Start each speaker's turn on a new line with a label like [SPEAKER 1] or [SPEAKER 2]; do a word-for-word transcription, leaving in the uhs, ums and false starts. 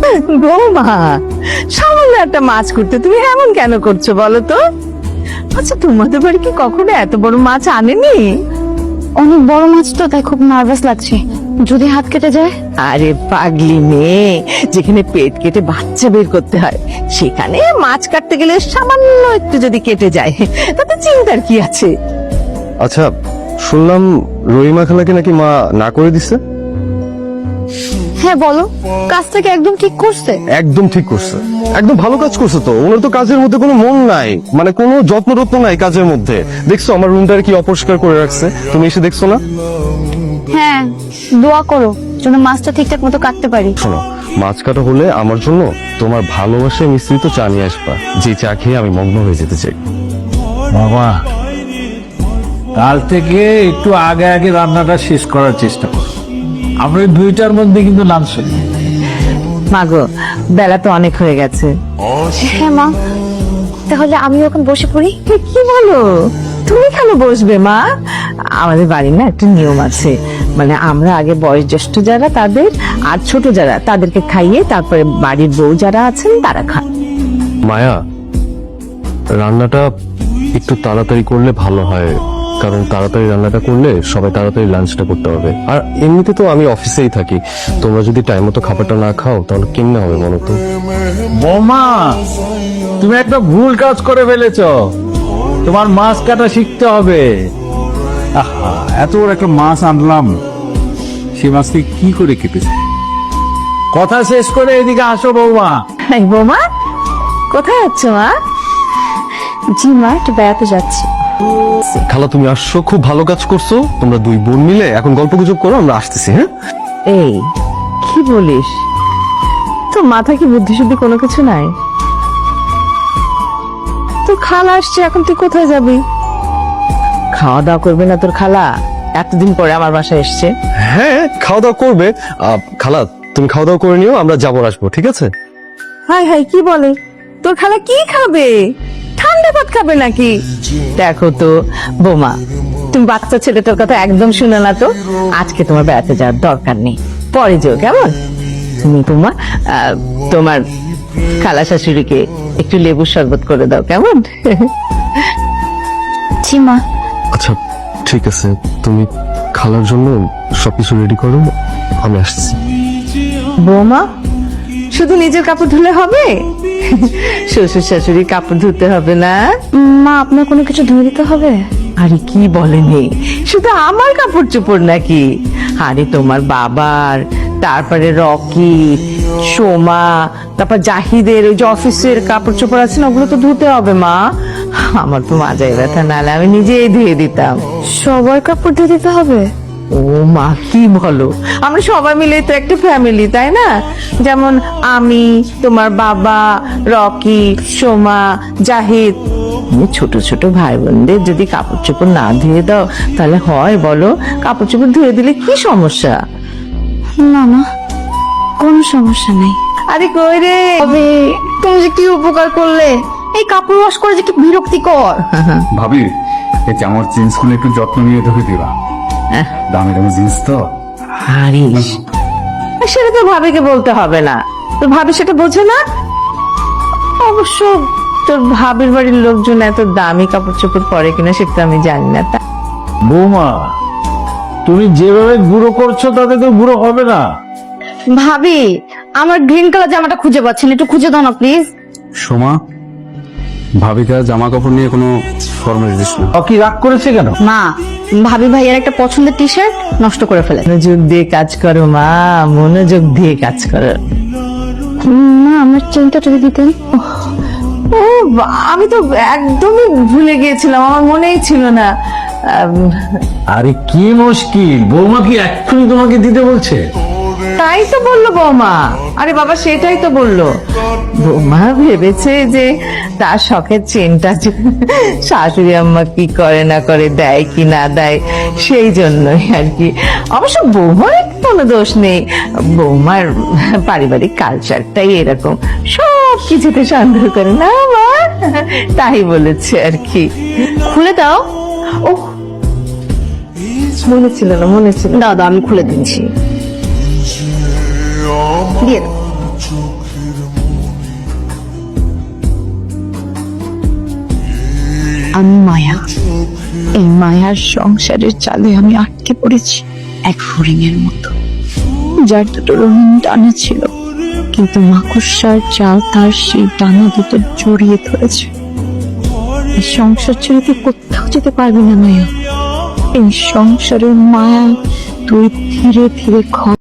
[SPEAKER 1] বৌমা, সামান্য একটা মাছ করতে তুমি এমন কেন করছো বলো তো? আচ্ছা, তোমাদের বাড়ি কি কখনো এত বড় মাছ আনেনি?
[SPEAKER 2] অনেক বড় মাছ তো, তাই খুব নার্ভাস লাগছে, যদি হাত কেটে যায়।
[SPEAKER 1] আরে পাগলি মেয়ে, যেখানে পেট কেটে বাচ্চা বের করতে হয় সেখানে মাছ কাটতে গেলে সামান্য একটু যদি কেটে যায় তাতে চিন্তার কি আছে?
[SPEAKER 3] আচ্ছা, শুনলাম রহিমা খালাকে নাকি মা না করে দিছে।
[SPEAKER 2] হ্যাঁ বলো, কাজটাকে একদম ঠিক করছে?
[SPEAKER 3] একদম ঠিক করছে, একদম ভালো কাজ করছে। তো ওনার তো কাজের মধ্যে কোনো মন নাই, মানে কোনো যত্ন রত্ন নাই কাজের মধ্যে। দেখছো আমার রুমটার কি অপরিষ্কার করে রাখছে, তুমি এসে দেখছো না?
[SPEAKER 2] হ্যাঁ, দোয়া করো যেন মাছটা ঠিকঠাক মতো কাটতে পারি।
[SPEAKER 3] শোনো, মাছ কাটা হলে আমার জন্য তোমার ভালোবাসায় মিশ্রিত চা নিয়ে আসবা, যে চা খেয়ে আমি মগ্ন হয়ে যেতে চাই।
[SPEAKER 4] বাবা, কাল থেকে একটু আগে আগে রান্নাটা শেষ করার চেষ্টা করো। আমরা এই দুইটার মধ্যে কিন্তু লাঞ্চ করি।
[SPEAKER 1] মাগো, বেলা তো অনেক হয়ে গেছে।
[SPEAKER 2] হ্যাঁ মা, তাহলে আমি এখন বসে পড়ি।
[SPEAKER 1] এ, কি বলো? তুমি কেন বসবে মা? আমাদের বাড়ির না একটা নিয়ম আছে, মানে আমরা আগে বয়োজ্যেষ্ঠ যারা তাদের, আর ছোট যারা তাদেরকে খাইয়ে তারপরে বাড়ির বউ যারা আছেন তারা খান।
[SPEAKER 3] মায়া, রান্নাটা একটু তাড়াতাড়ি করলে ভালো হয়, কারণ তাড়াতাড়ি রান্নাটা করলে সবাই তাড়াতাড়ি লাঞ্চটা করতে হবে। আর এমনিতে তো আমি অফিসেই থাকি, তোমরা যদি টাইম মতো খাবারটা না খাও তাহলে কেমনে হবে বলো তো?
[SPEAKER 4] বৌমা, তুমি একটা ভুল কাজ করে ফেলেছ। তোমার মাছ কাটা শিখতে হবে। আহা, এত বড় একটা মাছ আনলাম, সেই মাছটি কি করে কেটেছে? কথা শেষ করে এদিকে আসো বৌমা।
[SPEAKER 1] এই বৌমা, কোথায় যাচ্ছ মা?
[SPEAKER 2] জি মা, একটু বেড়াতে যাচ্ছি।
[SPEAKER 3] খালা তুমি আসছো, খুব ভালো কাজ করছো। তোমরা দুই বোন মিলে এখন গল্প গুজব করো, আমরা আসতেছি। হ্যাঁ,
[SPEAKER 1] এই কি বলিস? তোর মাথা কি বুদ্ধি শুদ্ধি কোনো কিছু নাই? তোর খালা আসছে, এখন তুই কোথায় যাবি? খাওয়া দাওয়া করবে না তোর খালা? এতদিন পরে আমার বাসায় এসছে।
[SPEAKER 3] হ্যাঁ, খাওয়া দাওয়া করবে। আহ, খালা তুমি খাওয়া দাওয়া করে নিও, আমরা যাবো আসবো, ঠিক আছে?
[SPEAKER 1] হাই হাই, কি বলে? তোর খালা কি খাবে? ঠান্ডা ভাত খাবে নাকি? দেখো তো বৌমা, তুমি বাচ্চা ছেলেটার কথা একদম শুনে না তো। আজকে তোমার বেড়াতে যাওয়ার দরকার নেই, পরে যেও, কেমন? তুমি তোমার আহ, তোমার খালা শাশুড়িকে একটু লেবুর শরবত করে দাও, কেমন?
[SPEAKER 2] জি মা।
[SPEAKER 3] আচ্ছা ঠিক আছে, তুমি খালার জন্য সবকিছু রেডি করো, আমি আসছি।
[SPEAKER 1] বৌমা, শুধু নিজের কাপড় ধুলে হবে? শ্বশুর শাশুড়ি কাপড় ধুতে হবে না?
[SPEAKER 2] মা, আপনার কোনো কিছু ধুয়ে দিতে হবে?
[SPEAKER 1] আরে কি বলেনি, শুধু আমার কাপড় চোপড় নাকি? আরে তোমার বাবার, তারপরে রকি, সোমা, তারপর জাহিদের ওই যে অফিসের কাপড় চোপড় আছে না, ওগুলো তো ধুতে হবে মা। আমার তো মাজায় ব্যথা, নাহলে আমি নিজেই ধুয়ে দিতাম।
[SPEAKER 2] সবার কাপড় ধুয়ে দিতে হবে?
[SPEAKER 1] ও মা, কি বলো? আমরা সবাই মিলে তো একটা ফ্যামিলি, তাই না? যেমন আমি, তোমার বাবা, রকি, সোমা, জাহিদ, তুমি ছোট ছোট ভাই বোনদের যদি কাপড় চোপড় না ধুয়ে দাও তাহলে হয় বলো? কাপড় চোপড় ধুয়ে দিলে কি সমস্যা?
[SPEAKER 2] না না, কোনো সমস্যা নেই।
[SPEAKER 1] আরে কই রে,
[SPEAKER 2] তবে তুমি যে কি উপকার করলে, এই কাপড় ওয়াশ করে যে কি বিরক্তিকর।
[SPEAKER 5] ভাবি, এই জামার জিন্স গুলো একটু যত্ন নিয়ে ধুয়ে দিবা, দামি দামি জিন্স তো।
[SPEAKER 1] হারিস, সেটা তো ভাবিকে বলতে হবে না, তো ভাবি সেটা বোঝে না। অবশ্য তোর ভাবির বাড়ির লোকজন এত দামি কাপড় চোপড় পরে কিনা সেটা আমি জানি না। তা
[SPEAKER 4] বৌমা, তুমি যেভাবে বুড়ো করছো তাতে তো বুড়ো হবে না।
[SPEAKER 2] ভাবি, আমার গ্রিন কালার জামাটা খুঁজে পাচ্ছেন, একটু খুঁজে দাও না প্লিজ।
[SPEAKER 5] সোমা, ভাবিকা জামা কাপড় নিয়ে কোনো ফর্মালিটিস না।
[SPEAKER 4] ও কি রাগ করেছে কেন?
[SPEAKER 2] মা, ভাবি ভাইয়ের একটা পছন্দের টি শার্ট নষ্ট করে ফেলে।
[SPEAKER 1] মনোযোগ দিয়ে কাজ করো মা, মনোযোগ দিয়ে কাজ করো।
[SPEAKER 2] মা, আমার চেনটা যদি দিতেন।
[SPEAKER 1] ও বা- আমি তো একদমই ভুলে গিয়েছিলাম, আমার মনেই ছিল না। আম,
[SPEAKER 4] আরে কি মুশকিল, বৌমা কি এক্ষুনি তোমাকে দিতে বলছে?
[SPEAKER 1] তাই তো বললো বৌমা। আরে বাবা, সেটাই তো বললো বৌমা। ভেবেছে যে তার শখের চেনটা যে শাশুড়ি আম্মা কি করে না করে, দেয় কি না দেয়, সেই জন্যই আর কি। অবশ্য বৌমার কোনো দোষ নেই, বৌমার পারিবারিক কালচারটাই এরকম, সব কিছুতে সন্দেহ করে না মা, তাই বলেছে আর কি।
[SPEAKER 2] খুলে দাও।
[SPEAKER 1] ও, মনে ছিল না, মনে ছিল না।
[SPEAKER 2] দাদা, আমি খুলে দিচ্ছি, দিয়ে দাও। আমি মায়া, এই মায়ার সংসারের চালে আমি আটকে পড়েছি এক হরিণের মতো, যার দুটো রঙিন ডানা ছিল, কিন্তু মাকড়সার জাল তার সেই ডানা দুটো জড়িয়ে ধরেছে। এই সংসার ছেড়ে তুই কোথাও যেতে পারবি না মায়া। এই সংসারের মায়া তুই ধীরে ধীরে